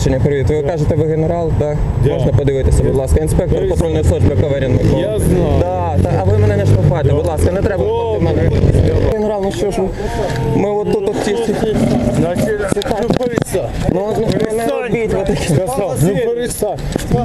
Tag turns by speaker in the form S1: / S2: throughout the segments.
S1: Привіт, ви кажете, ви генерал, так? Можна подивитися, будь ласка. Інспектор патрульної служби Каверін Микола.
S2: Я знаю.
S1: Так, а ви мене не штовхайте, будь ласка, не треба штовхати мене. Генерал, ну що ж, ми от тут от ті...
S2: Значить, ну перестань.
S1: Ну, не робіть ви такі.
S2: Сказав, ну перестань.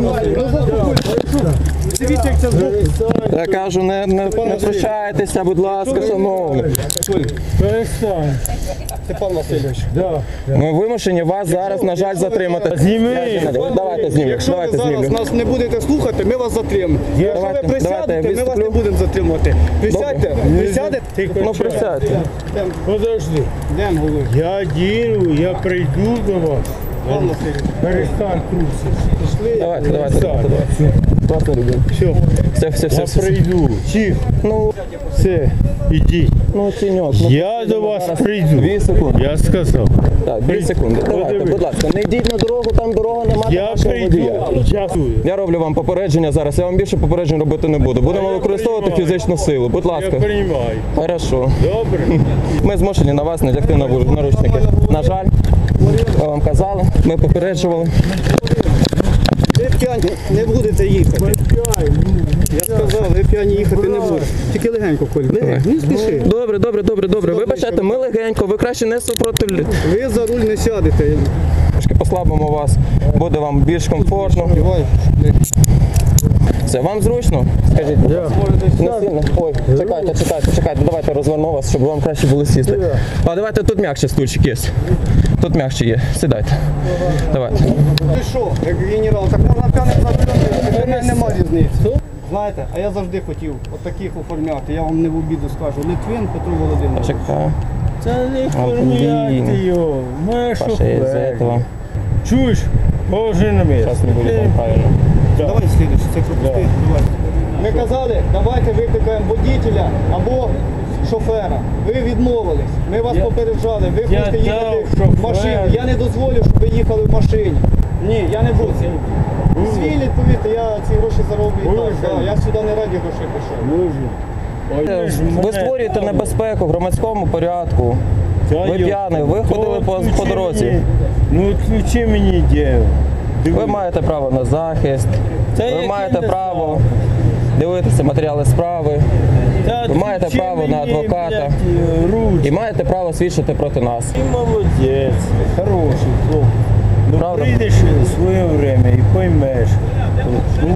S1: Я кажу, не втручайтеся, будь ласка, шановні.
S2: Перестань.
S3: Степан Васильович.
S2: Да.
S1: Ми вимушені вас зараз, на жаль, затримати.
S2: Зніми.
S1: Давайте знімемо,
S3: Якщо ви
S1: давайте
S3: зараз
S1: знімемо.
S3: нас не будете слухати, ми вас затримаємо. Якщо
S1: Давайте,
S3: ви присядете,
S1: давайте,
S3: ми вас не
S1: відступлю.
S3: будемо затримувати. Присядьте, присядете.
S2: Тихо,
S1: Ну, присядьте.
S2: подожди.
S3: Йдемо, голови.
S2: Я діну, я прийду до вас.
S3: Степан Васильович.
S2: Перестань трусити.
S1: Давайте. Вас не люблю.
S2: Все,
S1: Все.
S2: я прийду. Тихо.
S1: Ну,
S2: Все, ідіть.
S1: ну, тіньок. Ну,
S2: Я до вас прийду.
S1: 2 секунди.
S2: Я сказав.
S1: Так, 2 секунди. Давайте,
S2: Подивись.
S1: будь ласка, не йдіть на дорогу, там дорога немає
S2: Я
S1: вашого водія.
S2: прийду. Часую.
S1: Я роблю вам попередження зараз, я вам більше попереджень робити не буду. Будемо використовувати фізичну силу. Будь
S2: Я
S1: ласка.
S2: приймаю.
S1: Хорошо.
S2: Добре?
S1: Ми змушені на вас надягти наручники. На жаль, ми вам казали, ми попереджували.
S3: Ви п'яні не будете їхати. Я сказав, ви п'яні їхати не будете. Тільки легенько, Коль. Легенько, не спіши.
S1: Добре. Вибачайте, ми легенько, ви краще не супротивлі.
S3: Ви за руль не сядете.
S1: Трошки послабимо вас, буде вам більш комфортно.
S3: Давай.
S1: Це вам зручно? Скажіть, будь ласка. Не сильно? Ой, чекайте, давайте розверну вас, щоб вам краще було сісти. А давайте тут м'якше стульчик є. Тут м'якше є. Сідайте. Давайте.
S3: Ти що, як генерал, так можна п'яних затримати, для мене нема різниці. Знаєте, а я завжди хотів от таких оформляти, я вам не в обіду скажу. Литвин Петро Володимирович.
S1: Чекаю.
S2: Це не
S1: блін.
S2: формуляти його. Ми
S1: Паша, із-за этого.
S2: Чуєш? Положи на місце.
S1: Зараз не буде вам правильно.
S3: Давай слідуючи, це пропусти. Давай. Ми казали, давайте викликаємо водителя або шофера. Ви відмовились. Ми вас попереджали. Ви хочете їхати в машині. Я не дозволю, щоб ви їхали в машині. Ні, я не буду. Звільніть, повірте, я ці гроші зароблю і так. Да, я сюди не раді грошей пішов.
S1: Ви створюєте небезпеку в громадському порядку. Ви п'яний, ви ходили по дорозі.
S2: Ну відключи мені діло.
S1: Ви маєте право на захист, ви маєте право дивитися матеріали справи, ви маєте право на адвоката і маєте право свідчити проти нас.
S2: Ти молодець, хороший хлопець. Ну
S1: Правда?
S2: прийдеш в своє время і поймеш.